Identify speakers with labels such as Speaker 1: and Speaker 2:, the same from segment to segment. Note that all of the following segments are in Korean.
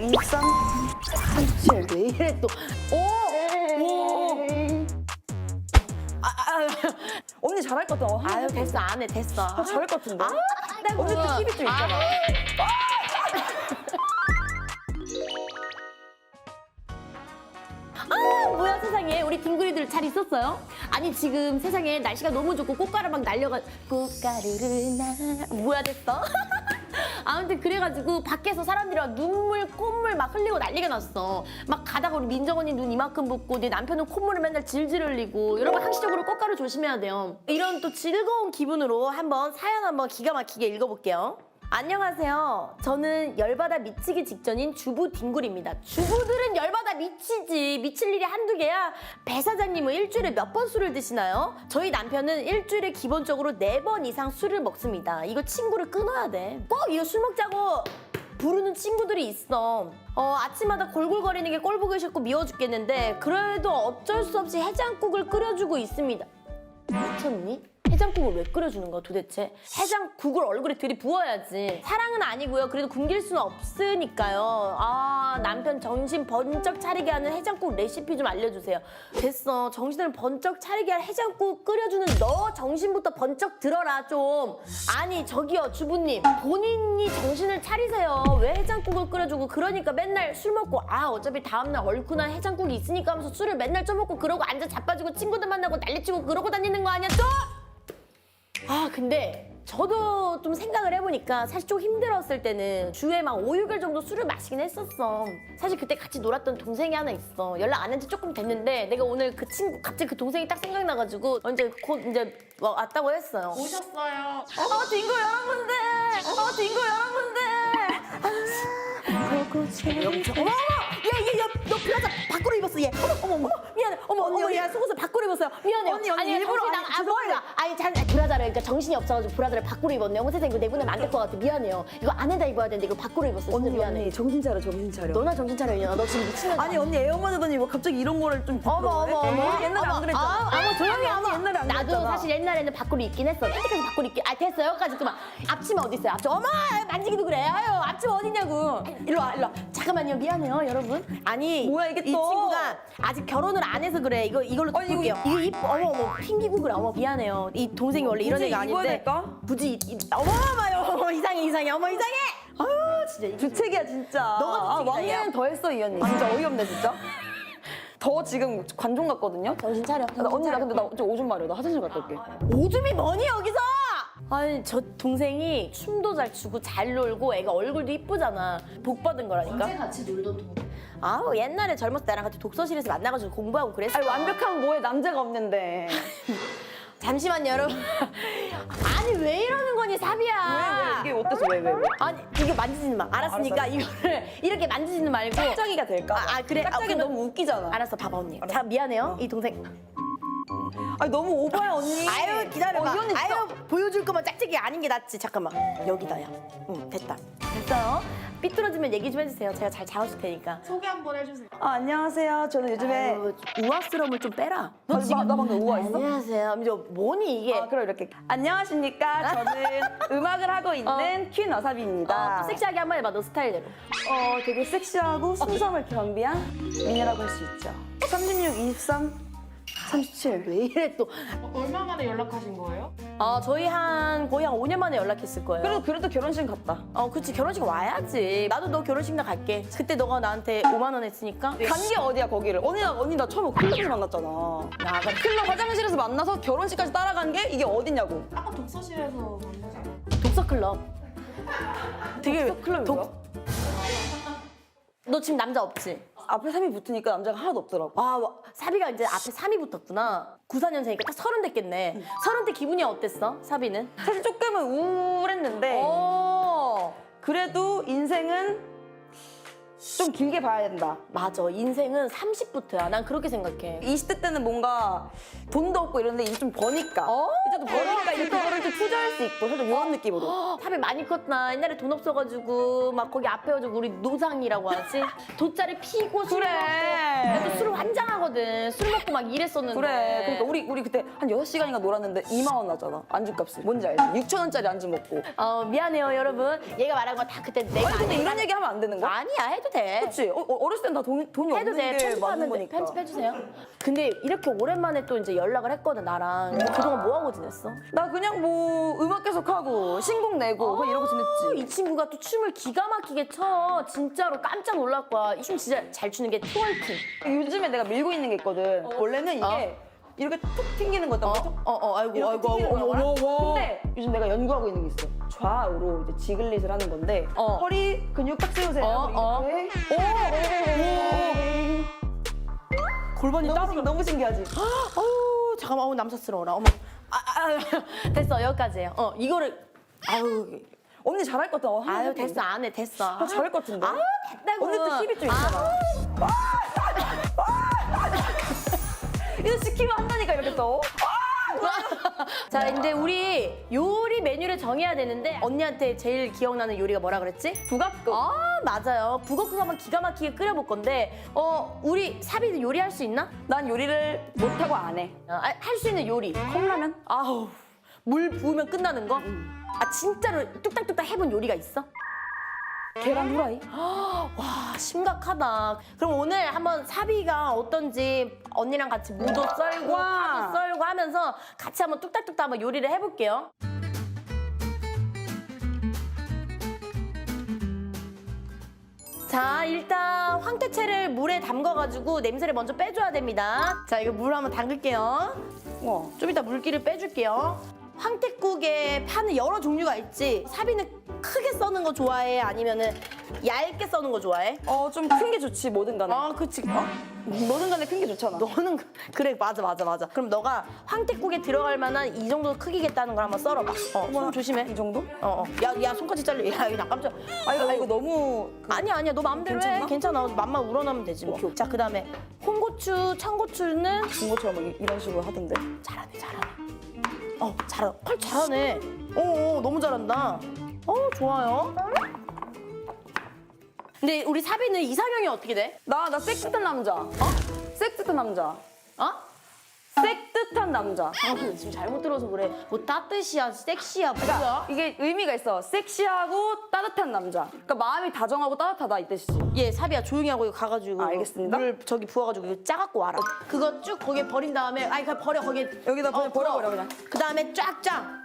Speaker 1: 23, 37.
Speaker 2: 왜 이래 또. 오!
Speaker 1: 언니 잘할 것 같아.
Speaker 2: 아유 됐어 안 해 됐어.
Speaker 1: 잘할 것 같은데.
Speaker 2: 나
Speaker 1: 언니 또 팁이 좀 있잖아.
Speaker 2: 뭐야 세상에 우리 딩구리들 잘 있었어요? 아니 지금 세상에 날씨가 너무 좋고 꽃가루 막 날려가 꽃가루를 나 뭐야 됐어? 아무튼 그래가지고 밖에서 사람들이 막 눈물 콧물 막 흘리고 난리가 났어. 막 가다가 우리 민정 언니 눈 이만큼 붓고 내 남편은 콧물을 맨날 질질 흘리고. 여러분 항시적으로 꽃가루 조심해야 돼요. 이런 또 즐거운 기분으로 한번 사연 한번 기가 막히게 읽어볼게요. 안녕하세요. 저는 열받아 미치기 직전인 주부 딩굴입니다. 주부들은 열받아 미치지. 미칠 일이 한두 개야. 배 사장님은 일주일에 몇 번 술을 드시나요? 저희 남편은 일주일에 기본적으로 4번 이상 술을 먹습니다. 이거 친구를 끊어야 돼. 꼭 이거 술 먹자고 부르는 친구들이 있어. 아침마다 골골거리는 게 꼴보기 싫고 미워 죽겠는데 그래도 어쩔 수 없이 해장국을 끓여주고 있습니다. 미쳤니? 해장국을 왜 끓여주는 거야 도대체? 해장국을 얼굴에 들이부어야지. 사랑은 아니고요. 그래도 굶길 수는 없으니까요. 아 남편 정신 번쩍 차리게 하는 해장국 레시피 좀 알려주세요. 됐어. 정신을 번쩍 차리게 할 해장국 끓여주는 너 정신부터 번쩍 들어라 좀. 아니 저기요 주부님 본인이 정신을 차리세요. 왜 해장국을 끓여주고 그러니까 맨날 술 먹고 어차피 다음날 얼큰한 해장국이 있으니까 하면서 술을 맨날 쪄먹고 그러고 앉아 자빠지고 친구들 만나고 난리치고 그러고 다니는 거 아니야 또? 근데 저도 좀 생각을 해보니까 사실 좀 힘들었을 때는 주에 막 5, 6일 정도 술을 마시긴 했었어. 사실 그때 같이 놀았던 동생이 하나 있어. 연락 안 한 지 조금 됐는데 내가 오늘 그 친구 갑자기 그 동생이 딱 생각나가지고 이제 곧 이제 왔다고 했어요.
Speaker 3: 오셨어요.
Speaker 2: 딩고 여러분들! 딩고 여러분들! 어머! 야, 너 브라자 밖으로 입었어, 얘. 어머, 미안해. 어머, 야, 속옷을 밖으로 입었어요. 미안해요.
Speaker 1: 언니,
Speaker 2: 아니,
Speaker 1: 일부러
Speaker 2: 뭐야. 브라자를, 그러니까 정신이 없어가지고 브라자를 밖으로 입었네. 어머, 세상에, 이거 내보내면 안 될 것 같아. 미안해요. 이거 안에다 입어야 되는데, 이거 밖으로 입었어. 진짜 미안해.
Speaker 1: 언니 정신 차려, 정신 차려.
Speaker 2: 너나 정신 차려, 이년아. 너 지금 미친년.
Speaker 1: 아니 언니 애엄마 되더니 뭐 갑자기 이런 거를 좀 부끄러워해?
Speaker 2: 어머.
Speaker 1: 옛날에 안 그랬잖아.
Speaker 2: 조용히
Speaker 1: 언니 옛날에 안
Speaker 2: 나도
Speaker 1: 그랬잖아.
Speaker 2: 사실 옛날에는 밖으로 입긴 했어. 팬티까지 밖으로 입긴. 됐어. 여기까지 그만. 앞치마 어디 있어요? 앞치마. 어머, 만지기도 그래. 아유, 앞치마 어디냐고. 일로 와. 잠깐만요. 미안해요, 여러분. 아니,
Speaker 1: 뭐야, 이게
Speaker 2: 이
Speaker 1: 또?
Speaker 2: 친구가 아직 결혼을 안 해서 그래. 이걸로
Speaker 1: 아니, 이거
Speaker 2: 볼게요. 이거 이뻐. 어머, 핑기고 그래. 어머, 미안해요. 이 동생이 원래 이런
Speaker 1: 굳이
Speaker 2: 애가
Speaker 1: 입어야
Speaker 2: 아닌데.
Speaker 1: 될까?
Speaker 2: 굳이 어머, 이상해. 어머, 이상해. 아유, 진짜.
Speaker 1: 주책이야 진짜.
Speaker 2: 너가 주책이다,
Speaker 1: 왕년은 더 했어 이 언니. 진짜 어이없네 진짜. 더 지금 관종 같거든요.
Speaker 2: 정신 차려.
Speaker 1: 언니 나 근데 나 좀 오줌 마려. 나 화장실 갔다 올게.
Speaker 2: 오줌이 뭐니 여기서? 아니 저 동생이 춤도 잘 추고 잘 놀고 애가 얼굴도 이쁘잖아. 복 받은 거라니까.
Speaker 3: 언제 같이 놀던 동
Speaker 2: 옛날에 젊었을 때 나랑 같이 독서실에서 만나가지고 공부하고 그랬어.
Speaker 1: 아니 완벽한 뭐에 남자가 없는데.
Speaker 2: 잠시만요 여러분. 아니 왜 이러는 거니 사비야.
Speaker 1: 왜 이게 어때서 왜?
Speaker 2: 아니 이거 만지지는 마. 알았으니까
Speaker 1: 알았어.
Speaker 2: 이거를 이렇게 만지지는 말고.
Speaker 1: 짝짝이가 될까?
Speaker 2: 그래.
Speaker 1: 짝짝이
Speaker 2: 그러면-
Speaker 1: 너무 웃기잖아.
Speaker 2: 알았어 봐봐 언니. 자 미안해요 이 동생.
Speaker 1: 아니 너무 오버야 언니.
Speaker 2: 아유 기다려봐.
Speaker 1: 이 언니 진짜.
Speaker 2: 아유 보여줄 거면 짝짝이 아닌 게 낫지. 잠깐만 여기다 야. 응 됐다. 됐어요. 삐뚤어지면 얘기 좀 해주세요. 제가 잘 잡아줄 테니까.
Speaker 3: 소개 한번 해주세요.
Speaker 1: 안녕하세요. 저는 요즘에
Speaker 2: 아유, 우아스러움을 좀 빼라. 너
Speaker 1: 나 방금 우아했어?
Speaker 2: 안녕하세요. 이제 뭐니 이게?
Speaker 1: 그럼 이렇게 안녕하십니까. 저는 음악을 하고 있는 퀸 와사비입니다.
Speaker 2: 또 섹시하게 한 번 해봐. 너 스타일대로.
Speaker 1: 되게 섹시하고 순정을 겸비한 미녀라고 할 수 있죠. 36, 23, 37.
Speaker 2: 왜 이래 또?
Speaker 3: 얼마 만에 연락하신 거예요?
Speaker 2: 저희 거의 한 5년 만에 연락했을 거예요.
Speaker 1: 그래도 결혼식 갔다.
Speaker 2: 그치 결혼식 와야지. 나도 너 결혼식 날 갈게. 그때 너가 나한테 5만 원 했으니까.
Speaker 1: 간 게 어디야 거기를? 언니 나 처음에 클럽에서 만났잖아.
Speaker 2: 나가.
Speaker 1: 클럽 화장실에서 만나서 결혼식까지 따라간 게 이게 어디냐고.
Speaker 3: 아까 독서실에서 만나지 않았어요?
Speaker 2: 독서 클럽. 되게
Speaker 1: 클럽이 뭐야?
Speaker 2: 너 지금 남자 없지?
Speaker 1: 앞에 3이 붙으니까 남자가 하나도 없더라고.
Speaker 2: 사비가 이제 앞에 3이 붙었구나. 94년생이니까 딱 30 됐겠네. 30대 기분이 어땠어? 사비는?
Speaker 1: 사실 조금은 우울했는데 그래도 인생은 좀 길게 봐야 된다.
Speaker 2: 맞아. 인생은 30부터야. 난 그렇게 생각해.
Speaker 1: 20대 때는 뭔가 돈도 없고 이런데 이제 좀 버니까 이제 또 버니까 이제 그거를 좀 투자할 수 있고 살짝 이런 느낌으로.
Speaker 2: 사비 많이 컸나? 옛날에 돈 없어가지고 막 거기 앞에 가지고 우리 노상이라고 하지? 돗자리 피고 술
Speaker 1: 그래.
Speaker 2: 먹고. 나도 술 환장하거든. 술 먹고 막 이랬었는데.
Speaker 1: 그래. 그러니까 우리 그때 한 6시간인가 놀았는데 2만 원 나잖아. 안주값이. 뭔지 알지? 6,000원짜리 안주 먹고.
Speaker 2: 미안해요 여러분. 얘가 말한 거 다 그때 내가
Speaker 1: 아니 근데
Speaker 2: 아니까.
Speaker 1: 이런 얘기 하면 안 되는 거야?
Speaker 2: 아니야 해도 돼.
Speaker 1: 그치? 어렸을 땐 다 돈이
Speaker 2: 해도
Speaker 1: 없는
Speaker 2: 돼.
Speaker 1: 게 맞는
Speaker 2: 편집하면 돼.
Speaker 1: 거니까.
Speaker 2: 편집해주세요. 근데 이렇게 오랜만에 또 이제 연락을 했거든, 나랑. 그동안 뭐 하고 지냈어?
Speaker 1: 나 그냥 뭐 음악 계속하고 신곡 내고 그냥 이러고 지냈지.
Speaker 2: 이 친구가 또 춤을 기가 막히게 춰. 진짜로 깜짝 놀랄 거야. 이 춤 진짜 잘 추는 게 트월킹.
Speaker 1: 요즘에 내가 밀고 있는 게 있거든. 원래는 이게 이렇게 툭 튕기는 거였단 말이야.
Speaker 2: 아이고,
Speaker 1: 이렇게
Speaker 2: 아이고,
Speaker 1: 튕기는
Speaker 2: 아이고,
Speaker 1: 거야.
Speaker 2: 아이고.
Speaker 1: 근데 요즘 내가 연구하고 있는 게 있어. 좌우로 이제 지글릿을 하는 건데 허리 근육 딱 세우세요. 이렇게.
Speaker 2: 골반이
Speaker 1: 너무 신기하지?
Speaker 2: 어우, 잠깐만, 어우, 남사스러워라. 어머. 됐어, 여기까지예요. 이거를, 아유,
Speaker 1: 언니 잘할 것 같아.
Speaker 2: 아유, 됐어, 안 해, 됐어.
Speaker 1: 잘할 것 같은데.
Speaker 2: 아유, 됐다고.
Speaker 1: 언니도 힙이 좀 있잖아. 이거 시키면 한다니까 이렇게 또.
Speaker 2: 자, 근데 우리 요리 메뉴를 정해야 되는데 언니한테 제일 기억나는 요리가 뭐라 그랬지?
Speaker 1: 북엇국.
Speaker 2: 맞아요. 북엇국 한번 기가 막히게 끓여볼 건데 우리 사비는 요리할 수 있나?
Speaker 1: 난 요리를 못하고 안 해.
Speaker 2: 할 수 있는 요리.
Speaker 1: 컵라면?
Speaker 2: 아우, 물 부으면 끝나는 거? 진짜로 뚝딱뚝딱 해본 요리가 있어?
Speaker 1: 계란 후라이?
Speaker 2: 와, 심각하다. 그럼 오늘 한번 사비가 어떤지 언니랑 같이 무도 썰고
Speaker 1: 와.
Speaker 2: 파도 썰고 하면서 같이 한번 뚝딱뚝딱 한번 요리를 해볼게요. 자, 일단 황태채를 물에 담가가지고 냄새를 먼저 빼줘야 됩니다. 자, 이거 물 한번 담글게요.
Speaker 1: 와.
Speaker 2: 좀 이따 물기를 빼줄게요. 황태국에 파는 여러 종류가 있지. 사비는 크게 써는 거 좋아해? 아니면은 얇게 써는 거 좋아해?
Speaker 1: 좀 큰 게 좋지, 뭐든 간에.
Speaker 2: 그치.
Speaker 1: 뭐든 간에 큰 게 좋잖아.
Speaker 2: 너는 그래, 맞아. 그럼 너가 황태국에 들어갈 만한 이 정도 크기겠다는 걸 한번 썰어봐. 손 조심해.
Speaker 1: 이 정도?
Speaker 2: 야, 손까지 잘려. 야, 이거 나 깜짝.
Speaker 1: 이거 너무.
Speaker 2: 아니야, 너 마음대로 해.
Speaker 1: 괜찮나?
Speaker 2: 괜찮아. 맘만 우러나면 되지 뭐.
Speaker 1: 오케이.
Speaker 2: 자, 그다음에 홍고추, 청고추는
Speaker 1: 중고처럼 막 이런 식으로 하던데.
Speaker 2: 잘하네. 잘하네. 너무 잘한다. 좋아요. 근데 우리 사비는 이상형이 어떻게 돼?
Speaker 1: 나 섹시한 남자. 섹시한 남자. 섹시한 남자.
Speaker 2: 지금 잘못 들어서 그래. 뭐 따뜻이야, 섹시야, 뭐야?
Speaker 1: 이게 의미가 있어. 섹시하고 따뜻한 남자. 그러니까 마음이 다정하고 따뜻하다 이 뜻이지.
Speaker 2: 얘 사비야, 조용히 하고 이거 가가지고
Speaker 1: 알겠습니다.
Speaker 2: 물 저기 부어가지고 이거 짜갖고 와라. 그거 쭉 거기에 버린 다음에 그냥 버려 거기에.
Speaker 1: 여기다 그냥 버려, 그냥.
Speaker 2: 그 다음에 쫙쫙.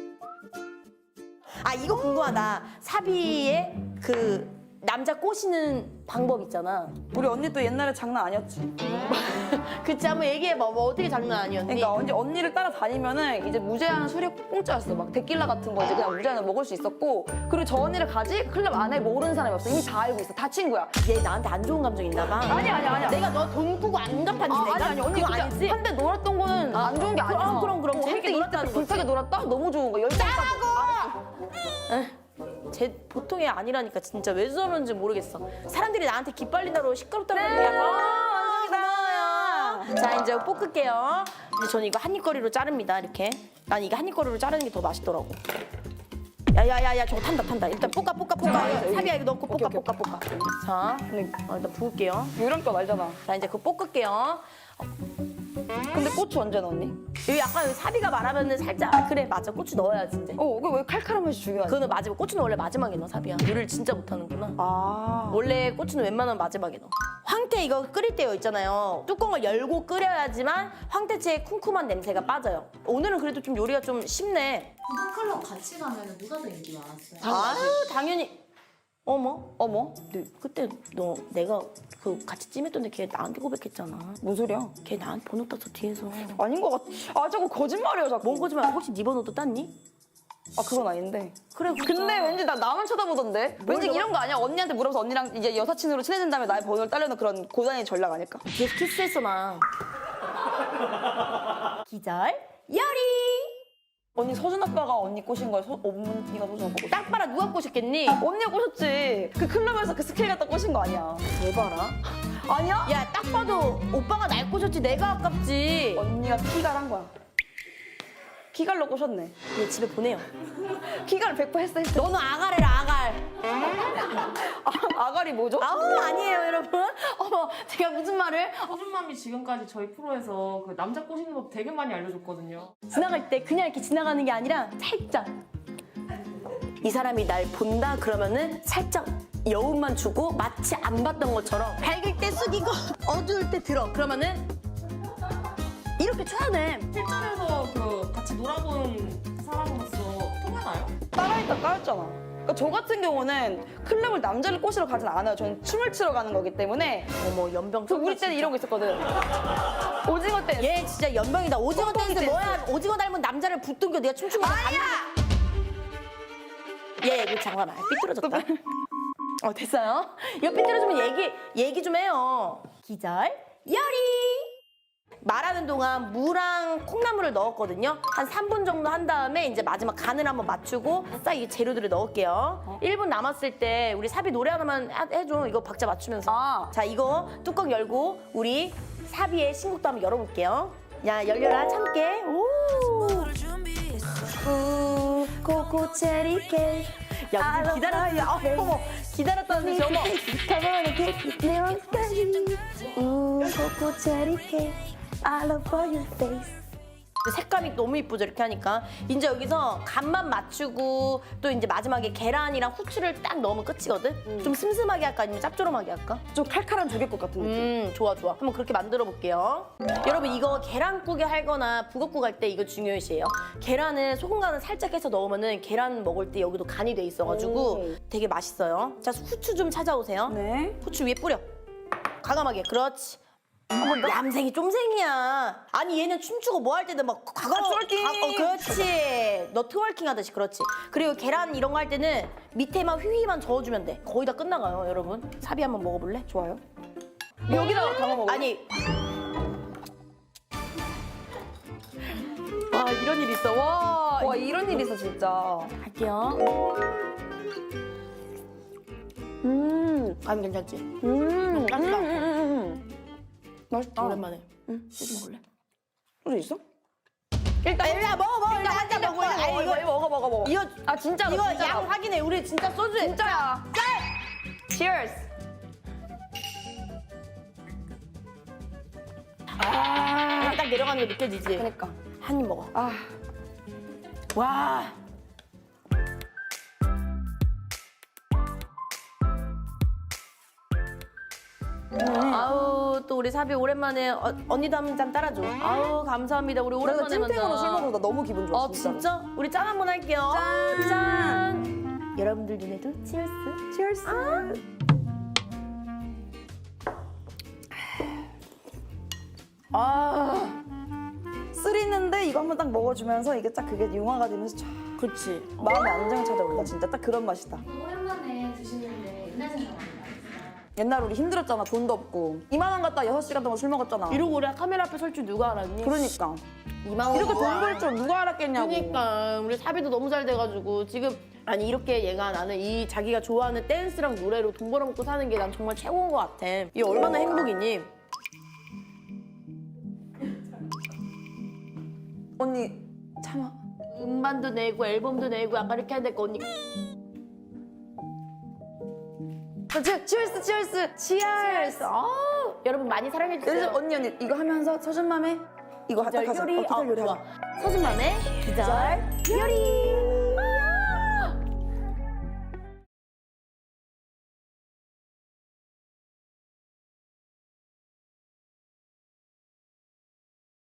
Speaker 2: 이거 궁금하다. 사비의 그 남자 꼬시는 방법 있잖아.
Speaker 1: 우리 언니 또 옛날에 장난 아니었지.
Speaker 2: 그치, 한번 얘기해봐. 뭐 어떻게 장난 아니었니?
Speaker 1: 그러니까 언니를 따라다니면은 이제 무제한 술이 공짜였어. 막 데킬라 같은 거 이제 그냥 무제한으로 먹을 수 있었고, 그리고 저 언니를 가지 클럽 안에 모르는 사람이 없어. 이미 다 알고 있어. 다 친구야.
Speaker 2: 얘 나한테 안 좋은 감정 있나 봐.
Speaker 1: 아니야.
Speaker 2: 내가 너 돈 꾸고 안 갚았지 내가?
Speaker 1: 아니 언니
Speaker 2: 그거 아니지?
Speaker 1: 한때 놀았던 거는 안 좋은 게 아니야.
Speaker 2: 그럼 재밌게
Speaker 1: 재밌게
Speaker 2: 놀았다는
Speaker 1: 놀았다.
Speaker 2: 거지.
Speaker 1: 불타게 놀았다. 너무 좋은 거. 열정까지.
Speaker 2: 제 보통이 아니라니까 진짜 왜 저러는지 모르겠어. 사람들이 나한테 기빨린다고 시끄럽다고 그러는데 고마워요. 자, 이제 볶을게요. 근데 저는 이거 한입거리로 자릅니다. 이렇게. 난 이게 한입거리로 자르는 게 더 맛있더라고. 야야야야, 저거 탄다. 일단 볶아. 사비야, 이거 넣고 볶아. 자, 일단 부을게요.
Speaker 1: 요런 거 알잖아.
Speaker 2: 자, 이제 그거 볶을게요.
Speaker 1: 근데 고추 언제 넣니?
Speaker 2: 여기 약간 사비가 말하면은 살짝 그래, 맞아, 고추 넣어야지 이제.
Speaker 1: 왜 칼칼한 맛이 중요하지?
Speaker 2: 그거는 마지막. 고추는 원래 마지막에 넣어, 사비야. 요리를 진짜 못하는구나. 원래 고추는 웬만하면 마지막에 넣어. 황태 이거 끓일 때요 있잖아요. 뚜껑을 열고 끓여야지만 황태채의 쿰쿰한 냄새가 빠져요. 오늘은 그래도 좀 요리가 좀 쉽네.
Speaker 3: 클럽 같이 가면 누가 더 인기 많았어요?
Speaker 2: 아유, 당연히. 어머. 근데 그때 내가 그 같이 찜했던데 걔 나한테 고백했잖아.
Speaker 1: 뭔 소리야?
Speaker 2: 걔 나한테 번호 땄어, 뒤에서.
Speaker 1: 아닌 것 같아. 자꾸 거짓말이야 자꾸.
Speaker 2: 뭔 거지만 혹시 네 번호도 땄니?
Speaker 1: 그건 아닌데.
Speaker 2: 그래,
Speaker 1: 근데 왠지 나만 쳐다보던데? 왠지 이런 거 아니야? 언니한테 물어봐서 언니랑 이제 여사친으로 친해진 다음에 나의 번호를 따려는 그런 고단의 전략 아닐까?
Speaker 2: 뒤에서 키스했어, 나. 기절 요리.
Speaker 1: 언니 서준 아빠가 언니 꼬신 거야? 언니가 서준 아빠 꼬신
Speaker 2: 딱 봐라, 누가 꼬셨겠니?
Speaker 1: 거야? 언니가 꼬셨지. 그 클럽에서 그 스케일 갖다 꼬신 거 아니야?
Speaker 2: 대봐라.
Speaker 1: 아니야?
Speaker 2: 야, 딱 봐도 오빠가 날 꼬셨지 내가 아깝지.
Speaker 1: 언니가 키갈한 거야. 키갈로 꼬셨네.
Speaker 2: 얘 집에 보내요.
Speaker 1: 키갈 100% 했어.
Speaker 2: 너는 아가래라, 아갈.
Speaker 1: 아가리 뭐죠?
Speaker 2: 아니에요, 여러분. 어머, 제가 무슨 말을?
Speaker 3: 서준맘이 지금까지 저희 프로에서 그 남자 꼬시는 법 되게 많이 알려줬거든요.
Speaker 2: 지나갈 때 그냥 이렇게 지나가는 게 아니라 살짝. 이 사람이 날 본다 그러면은 살짝 여운만 주고 마치 안 봤던 것처럼 밝을 때 숙이고 어두울 때 들어. 그러면은 이렇게 쳐야 돼.
Speaker 3: 실전에서 그 같이 놀아본 사람으로서 통하나요?
Speaker 1: 따라니까 까였잖아. 그러니까 저 같은 경우는 클럽을 남자를 꼬시러 가진 않아요. 저는 춤을 추러 가는 거기 때문에.
Speaker 2: 어머 연병.
Speaker 1: 저 우리 때는 이런 거 있었거든. 오징어 댄스.
Speaker 2: 얘 진짜 연병이다. 오징어
Speaker 1: 뻥뻥이
Speaker 2: 댄스
Speaker 1: 댄스.
Speaker 2: 뭐야? 오징어 닮은 남자를 붙들겨 내가 춤추고 있는 얘 이거 잠깐만 삐뚤어졌다. 됐어요? 이거 삐뚤어지면 얘기 좀 해요. 기절 요리. 말하는 동안 무랑 콩나물을 넣었거든요. 한 3분 정도 한 다음에 이제 마지막 간을 한번 맞추고 싹 이 재료들을 넣을게요. 1분 남았을 때 우리 사비 노래 하나만 해줘. 이거 박자 맞추면서.
Speaker 1: 아.
Speaker 2: 자, 이거 뚜껑 열고 우리 사비의 신곡도 한번 열어볼게요. 야, 열려라, 참깨. 오. 코코 체리 케이크. 야, 우리 기다렸어. 어머, 기다렸다는 듯이 어머. 코코 체리 케이크. I love for your face. 색감이 너무 이쁘죠, 이렇게 하니까. 이제 여기서 간만 맞추고 또 이제 마지막에 계란이랑 후추를 딱 넣으면 끝이거든? 좀 슴슴하게 할까 아니면 짭조름하게 할까?
Speaker 1: 좀 칼칼한 조개국 같은 느낌.
Speaker 2: 좋아. 한번 그렇게 만들어 볼게요. 여러분 이거 계란국에 할거나 북엇국 할 때 이거 중요시해요. 계란을 소금 간을 살짝 해서 넣으면은 계란 먹을 때 여기도 간이 돼 있어가지고
Speaker 1: 오.
Speaker 2: 되게 맛있어요. 자, 후추 좀 찾아오세요.
Speaker 1: 네.
Speaker 2: 후추 위에 뿌려. 과감하게. 그렇지. 얌생이 쫌생이야. 아니 얘는 춤추고 뭐 할 때는 막
Speaker 1: 트월킹.
Speaker 2: 그렇지. 너 트월킹 하듯이 그렇지. 그리고 계란 이런 거 할 때는 밑에만 휘휘만 저어주면 돼. 거의 다 끝나가요, 여러분. 사비 한번 먹어볼래?
Speaker 1: 좋아요. 여기다가 담아 먹어.
Speaker 2: 아니. 와 이런 일 있어.
Speaker 1: 와 이런 일 있어 진짜.
Speaker 2: 할게요. 간 괜찮지? 맛있다.
Speaker 1: 맛있다.
Speaker 2: 오랜만에. 소주 먹을래?
Speaker 1: 소주 있어?
Speaker 2: 일단 먹어. 일단 한잔 먹어. 아니 이거
Speaker 1: 먹어.
Speaker 2: 이거
Speaker 1: 아 진짜로.
Speaker 2: 이거
Speaker 1: 진짜로.
Speaker 2: 양 확인해. 우리 진짜 소주에
Speaker 1: 진짜야. Cheers.
Speaker 2: 딱 내려가는 거 느껴지지?
Speaker 1: 그러니까.
Speaker 2: 한 입 먹어.
Speaker 1: 아.
Speaker 2: 와. 아우 또 우리 사비 오랜만에 언니도 한 잔 따라줘. 아우 감사합니다. 우리
Speaker 1: 내가
Speaker 2: 오랜만에 만나.
Speaker 1: 찐탱으로 술 먹으다 너무 기분 좋아.
Speaker 2: 진짜? 우리 짠 한번 할게요. 짠. 여러분들 눈에도 치얼스.
Speaker 1: Cheers. 쓰 있는데 이거 한번 딱 먹어주면서 이게 딱 그게 융화가 되면서 쫙
Speaker 2: 그치.
Speaker 1: 마음의 안정이 찾아온다. 진짜 딱 그런 맛이다.
Speaker 4: 오랜만에 드시는데 옛날 생각 많이 나요.
Speaker 1: 옛날 우리 힘들었잖아. 돈도 없고. 2만 원 갖다 6시간 동안 술 먹었잖아.
Speaker 2: 이러고 우리 카메라 앞에 설 줄 누가 알았니?
Speaker 1: 그러니까.
Speaker 2: 2만 원.
Speaker 1: 이렇게 돈 벌 줄 누가 알았겠냐고.
Speaker 2: 그러니까 우리 사비도 너무 잘 돼가지고 지금 아니 이렇게 얘가 나는 이 자기가 좋아하는 댄스랑 노래로 돈 벌어먹고 사는 게 난 정말 최고인 것 같아. 이게 얼마나 행복이니?
Speaker 1: 언니 참아.
Speaker 2: 음반도 내고 앨범도 내고 약간 이렇게 해야 될 거 언니.
Speaker 1: 치얼스 치얼스 치얼스.
Speaker 2: 여러분 많이 사랑해주세요.
Speaker 1: 언니 이거 하면서 서준맘에 이거 딱 하자.
Speaker 2: 요리.
Speaker 1: 기절 요리
Speaker 2: 좋아.
Speaker 1: 하자.
Speaker 2: 서준맘의 기절 요리.